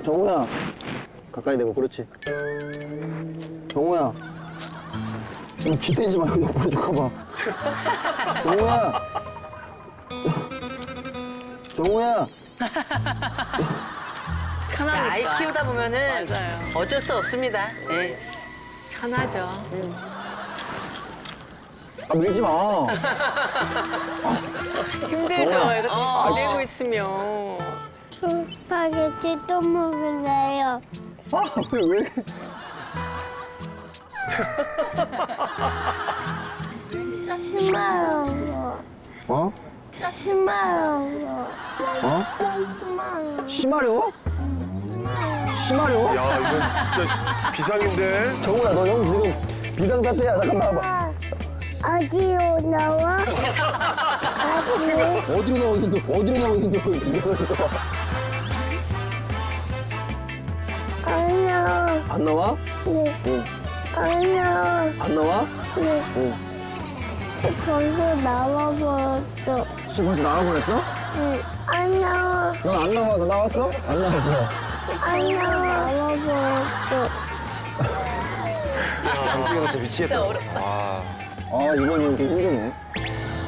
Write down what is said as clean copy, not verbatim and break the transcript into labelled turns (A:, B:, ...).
A: 정우야. 가까이 대고, 그렇지. 정우야. 좀 기대지 말고 옆으로 좀 가봐. 정우야. 정우야.
B: 편하니까.
C: 아이 키우다 보면은
B: 맞아요.
C: 어쩔 수 없습니다. 네.
B: 편하죠.
A: 아, 밀지 마.
B: 힘들죠.
A: 정우야.
B: 애가 지금 기대고 있으면.
D: 스파게티 또 먹을래요.
A: 아, 왜 이렇게.
D: 심하요.
A: 어?
D: 심하요.
A: 어? 심하려? 심하려?
E: 야, 이거 진짜 비상인데?
A: 정우야, 너 형 지금 비상사태야. 잠깐 나와봐.
D: 어디로 나와? 어디로?
A: 어디로 나오긴 너, 어디로 나오긴 너, 이거
D: 안 나와.
A: 안 나와?
D: 네.
A: 응.
D: 안 나와.
A: 안 나와?
D: 네.
A: 응.
D: 벌써 나와버렸어.
A: 지금 벌써 나와버렸어?
D: 네. 안 나와.
A: 넌 안 나와. 너 나왔어? 안 나왔어.
D: 안 나와. 나와버렸어.
E: 깜짝이야, 진짜 미치겠다.
A: 아, 이번이 좀 힘드네.